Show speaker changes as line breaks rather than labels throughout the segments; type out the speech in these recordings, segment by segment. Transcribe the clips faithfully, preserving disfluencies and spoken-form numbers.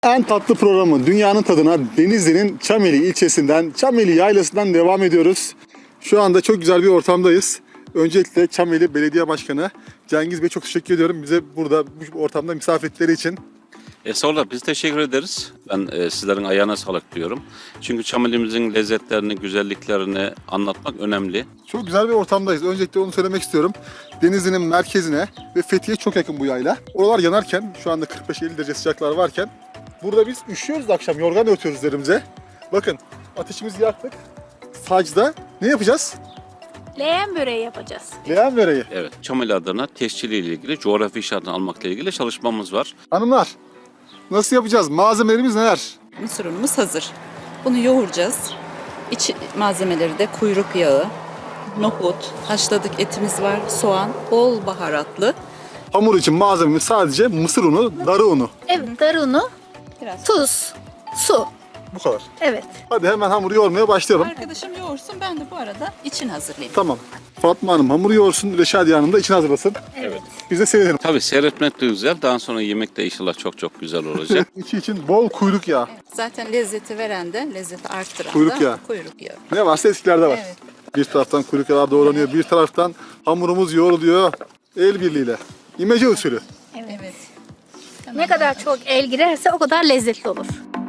En tatlı programı Dünyanın Tadına Denizli'nin Çameli ilçesinden, Çameli Yaylası'ndan devam ediyoruz. Şu anda çok güzel bir ortamdayız. Öncelikle Çameli Belediye Başkanı Cengiz Bey çok teşekkür ediyorum bize burada bu ortamda misafir ettikleri için.
E, Sonra biz teşekkür ederiz. Ben e, sizlerin ayağına sağlık diyorum. Çünkü Çameli'mizin lezzetlerini, güzelliklerini anlatmak önemli.
Çok güzel bir ortamdayız. Öncelikle onu söylemek istiyorum. Denizli'nin merkezine ve Fethiye çok yakın bu yayla. Oralar yanarken, şu anda kırk beş elli derece sıcaklar varken burada biz üşüyoruz da akşam, yorgan örtüyoruz üzerimize. Bakın ateşimizi yaktık. Sacda ne yapacağız?
Leğen böreği yapacağız.
Leğen böreği.
Evet, Çameli adına tescili ile ilgili, coğrafi işaretini almakla ilgili çalışmamız var.
Hanımlar, nasıl yapacağız? Malzemelerimiz neler?
Mısır unumuz hazır. Bunu yoğuracağız. İç malzemeleri de kuyruk yağı, nohut, haşladık etimiz var, soğan, bol baharatlı.
Hamur için malzememiz sadece mısır unu, darı unu.
Evet, darı unu,
Biraz.
tuz, su.
Bu kadar.
Evet.
Hadi hemen hamuru yoğurmaya başlayalım.
Arkadaşım yoğursun, ben de bu arada için hazırlayayım.
Tamam. Fatma Hanım hamuru yoğursun, Reşadiye Hanım da içini hazırlasın.
Evet.
Biz de seyredelim.
Tabii seyretmek de güzel. Daha sonra yemek de inşallah çok çok güzel olacak.
İçi için bol kuyruk yağı.
Zaten lezzeti veren de, lezzeti arttıran
Kuyruk
da
yağı.
kuyruk yağı.
Ne varsa eskilerde var.
Evet.
Bir taraftan kuyruk yağı doğranıyor, bir taraftan hamurumuz yoğruluyor. El birliğiyle. İmece usulü.
Evet.
Ne kadar çok el girerse o kadar lezzetli olur.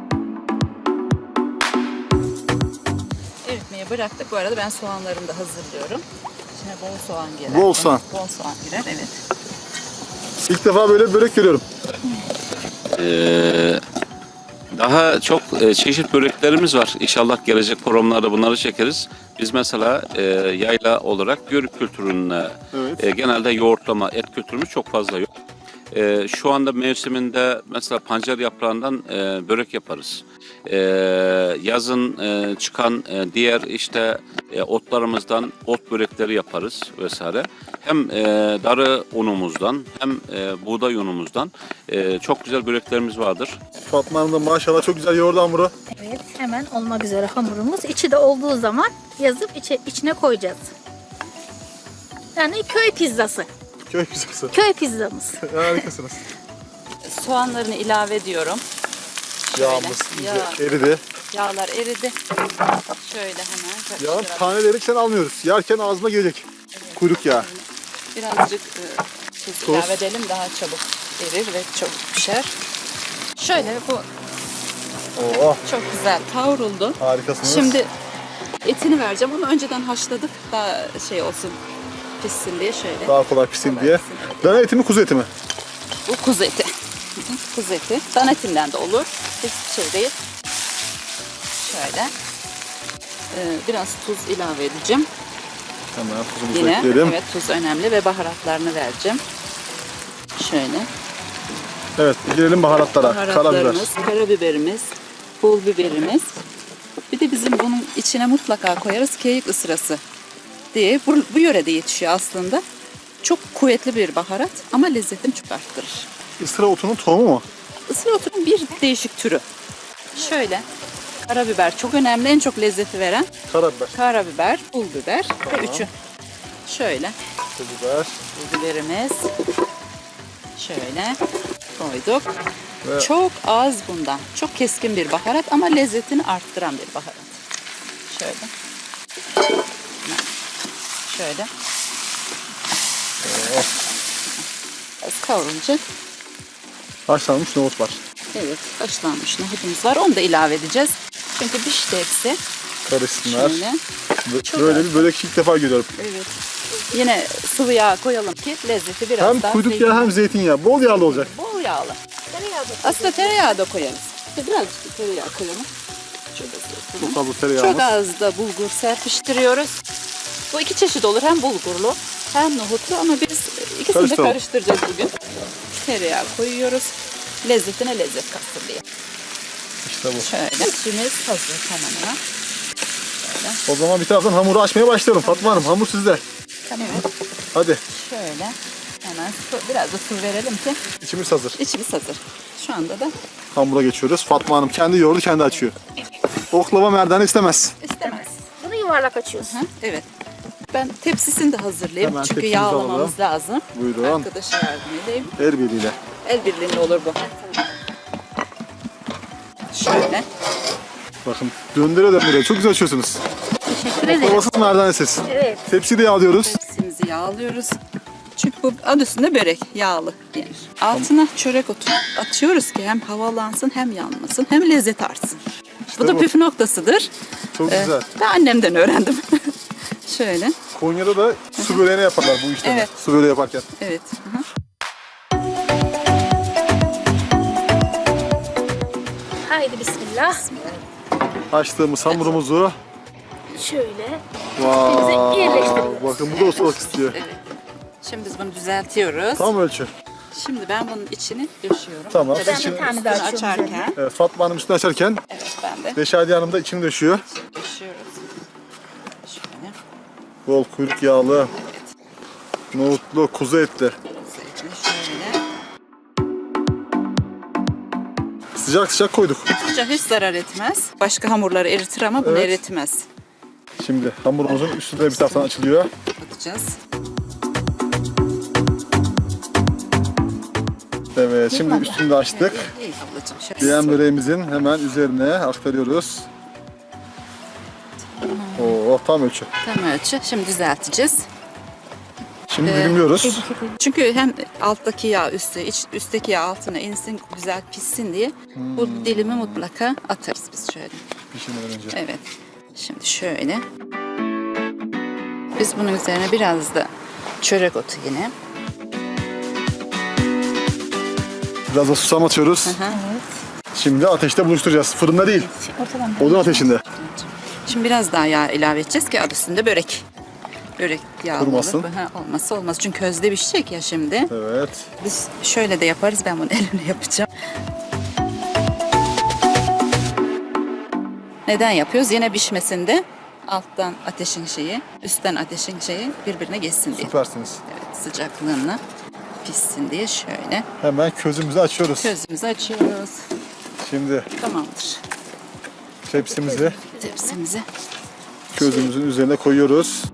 Eritmeye bıraktık. Bu arada ben soğanlarımı da hazırlıyorum. İçine bol soğan girer.
Bol soğan.
Bol soğan girer, evet.
İlk defa böyle bir börek görüyorum.
Ee, Daha çok e, çeşit böreklerimiz var. İnşallah gelecek programlarda bunları çekeriz. Biz mesela e, yayla olarak yörük kültürüne
Evet.
e, genelde yoğurtlama, et kültürümüz çok fazla yok. E, şu anda mevsiminde mesela pancar yaprağından e, börek yaparız. E, yazın e, çıkan e, diğer işte e, otlarımızdan ot börekleri yaparız vesaire. Hem e, darı unumuzdan hem e, buğday unumuzdan e, çok güzel böreklerimiz vardır.
Fatma Hanım da maşallah çok güzel yoğurdu hamuru.
Evet, hemen olmak üzere hamurumuz. İçi de olduğu zaman yazıp içe, içine koyacağız. Yani köy pizzası.
Köy pizzası.
Köy pizzamız.
Harikasınız.
Soğanlarını ilave ediyorum. Şöyle.
Yağımız iyice
Yağ.
eridi.
Yağlar eridi. Şöyle hemen
Yağın
karıştırarak.
taneleri sen almıyoruz. Yerken ağzına gelecek. Kuyruk yağı.
Birazcık e, tuz
Tuz.
ilave edelim, daha çabuk erir ve çabuk pişer. Şöyle bu
Oo,
çok güzel kavruldu.
harikasınız.
Şimdi etini vereceğim. Onu önceden haşladık. Daha şey olsun, pişsin diye şöyle.
Daha kolay pişsin
Kolay
diye.
pişsin, evet.
Dana eti mi kuzu eti mi?
Bu kuzu eti. Kuzu eti. Dan etinden de olur. Hiçbir şey değil. Şöyle. Ee, biraz tuz ilave edeceğim.
Hemen tuzumuzu
Yine
ekleyelim.
evet, tuz önemli ve baharatlarını vereceğim. Şöyle.
Evet, gelelim baharatlara. Karabiber.
Baharatlarımız, karabiberimiz, pul biberimiz. Bir de bizim bunun içine mutlaka koyarız keyik ısırası diye. Bu, bu yörede yetişiyor aslında. Çok kuvvetli bir baharat ama lezzetini çok arttırır.
Isıra otunun tohumu mu?
Isıra otunun bir değişik türü. Şöyle. Karabiber çok önemli. En çok lezzeti veren
Karabiber.
karabiber, pul biber ve üçü. Şöyle.
Pul biber.
Pul biberimiz. Şöyle koyduk.
Ve-
Çok az bundan. Çok keskin bir baharat ama lezzetini arttıran bir baharat. Şöyle. Şöyle. Biraz kavrulacak.
Haşlanmış nohut var.
Evet, haşlanmış nohutumuz var. Onu da ilave edeceğiz. Çünkü pişti hepsi.
Karışsınlar.
Şöyle.
Bö- Böyle bir börek ilk defa görüyorum.
Evet. Yine sıvı yağ koyalım ki lezzeti biraz
Hem
daha
kuyruk
zeytin-
yağı hem zeytinyağı. Bol yağlı olacak.
Bol yağlı.
Tereyağı da
Aslında tereyağı da koyarız. Birazcık tereyağı koyalım. Şöyle
Çok
koyalım.
fazla tereyağımız.
Çok az da bulgur serpiştiriyoruz. Bu iki çeşit olur. Hem bulgurlu hem nohutlu ama biz ikisini de
Karıştıralım.
karıştıracağız bugün. Tereyağı koyuyoruz. Lezzetine lezzet katsın diye.
İşte bu.
Şöyle. İçimiz hazır tamamen.
O zaman bir taraftan hamuru açmaya başlayalım. Fatma Hanım hamur sizde.
Tamam.
Hadi.
Şöyle. Hemen su, biraz da su verelim ki
İçimiz hazır.
içimiz hazır. Şu anda da
Hamura geçiyoruz. Fatma Hanım kendi yoğurdu kendi açıyor. Oklava merdane istemez.
istemez.
Bunu yuvarlak açıyorsun.
Hı, evet. Ben tepsisini de hazırlayayım.
Hemen
Çünkü
tepsimizi
yağlamamız
alalım.
lazım.
Buyurun.
Arkadaşa yardım edeyim.
El birliğiyle.
El birliğinde olur bu. Şöyle.
Bakın döndüre döndüre çok güzel açıyorsunuz.
Teşekkür ederim.
Babasız merdanesiz.
Evet.
Tepsiyi de yağlıyoruz.
Tepsimizi yağlıyoruz. Çünkü bu adı üstünde börek, yağlı yenir. Altına çörek otu atıyoruz ki hem havalansın hem yanmasın hem lezzet artsın. bu da
bu.
püf noktasıdır.
Çok
Ee,
güzel.
Ben annemden öğrendim. Şöyle.
Konya'da da su böreğini yaparlar bu işlemi.
Evet.
Su böreği yaparken.
Evet. Hı hı.
Haydi bismillah.
Açtığımız hamurumuzu.
Şöyle.
Vay.
yerleştiriyoruz.
Bakın bu da ustalık istiyor.
Evet. Şimdi biz bunu düzeltiyoruz.
Tam ölçü.
Şimdi ben bunun içini döşüyorum.
Tamam.
Ben
İçini-
bir tane
Bunu
daha açıyorum. üzerine.
açarken.
Evet, Fatma Hanım üstünü açarken
Evet ben de
Reşadiye Hanım da içini döşüyor.
döşüyoruz. Şöyle.
Bol kuyruk yağlı, nohutlu, kuzu etli.
Zeytini şöyle.
Sıcak sıcak koyduk.
Sıcak hiç zarar etmez. Başka hamurları eritir ama bunu
Evet.
eritmez.
Şimdi hamurumuzun üstü de bir taraftan açılıyor.
Atacağız.
Evet, şimdi üstünü de açtık.
İyi ablacığım. Şöyle.
Diyen böreğimizin hemen üzerine aktarıyoruz. Oo, tam ölçü.
Tam ölçü. Şimdi düzelteceğiz.
Şimdi
Ee,
dilimliyoruz.
Çünkü hem alttaki yağ üstü, iç, üstteki yağ altına insin, güzel pişsin diye bu dilimi mutlaka atarız biz şöyle.
Pişirmeden önce.
Evet. Şimdi şöyle. Biz bunun üzerine biraz da çörek otu yine.
Biraz da susam atıyoruz.
Hı.
Şimdi ateşte buluşturacağız. Fırında değil,
Ortadan
odun ateşinde.
Şimdi biraz daha yağ ilave edeceğiz ki adı üstünde börek. Börek yağlı
Kurumasın.
olur. Ha, olmazsa olmaz. Çünkü közde pişecek ya şimdi.
Evet.
Biz şöyle de yaparız. Ben bunu elimle yapacağım. Neden yapıyoruz? Yine pişmesinde alttan ateşin şeyi, üstten ateşin şeyi birbirine geçsin diye.
Süpersiniz.
Evet, sıcaklığına pişsin diye şöyle
Hemen közümüzü açıyoruz.
közümüzü açıyoruz.
Şimdi
Tamamdır.
tepsimizi
Tepsimizi
közümüzün üzerine koyuyoruz.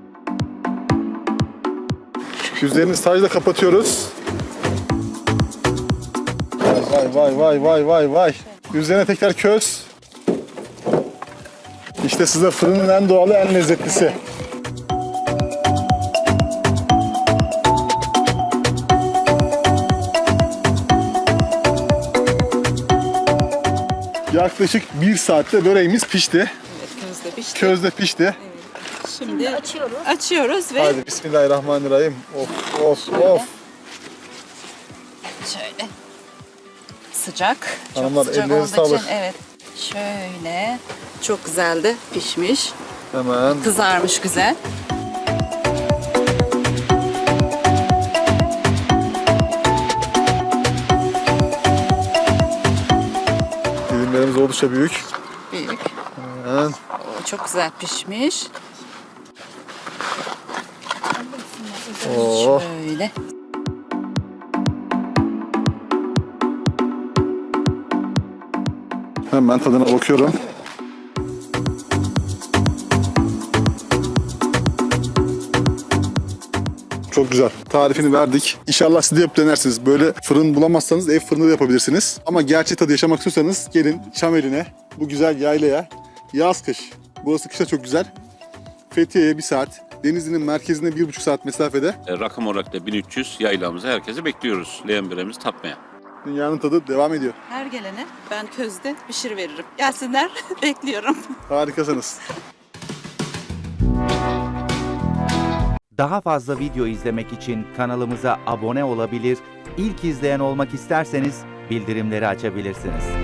Üzerini sadece kapatıyoruz. Vay vay vay vay vay vay. Üzerine tekrar köz. İşte size fırının en doğalı, en lezzetlisi. Yaklaşık bir saatte böreğimiz pişti.
evet, közde pişti.
Közde pişti.
Şimdi
açıyoruz.
açıyoruz ve
Hadi bismillahirrahmanirrahim. Of of of.
şöyle sıcak. Çok
Hanımlar,
sıcak
ellerinize
olduğu için
sağlık.
evet. Şöyle çok güzel de pişmiş.
Hemen
Kızarmış güzel.
dilimlerimiz oldukça büyük.
Büyük.
Hemen
Oo, çok güzel pişmiş.
oh.
Şöyle.
Hemen tadına bakıyorum. Çok güzel. Tarifini verdik. İnşallah siz de yapıp denersiniz. Böyle fırın bulamazsanız ev fırında da yapabilirsiniz. Ama gerçek tadı yaşamak istiyorsanız gelin Çameli'ne, bu güzel yaylaya. Yaz kış. Burası kışta çok güzel. Fethiye'ye bir saat. Denizli'nin merkezine bir buçuk saat mesafede.
E, rakam olarak da bin üç yüz yaylamıza herkese bekliyoruz. Leğen böreğimizi tatmaya.
Dünyanın tadı devam ediyor.
Her gelene ben közde pişir veririm. Gelsinler bekliyorum.
Harikasınız.
Daha fazla video izlemek için kanalımıza abone olabilir, ilk izleyen olmak isterseniz bildirimleri açabilirsiniz.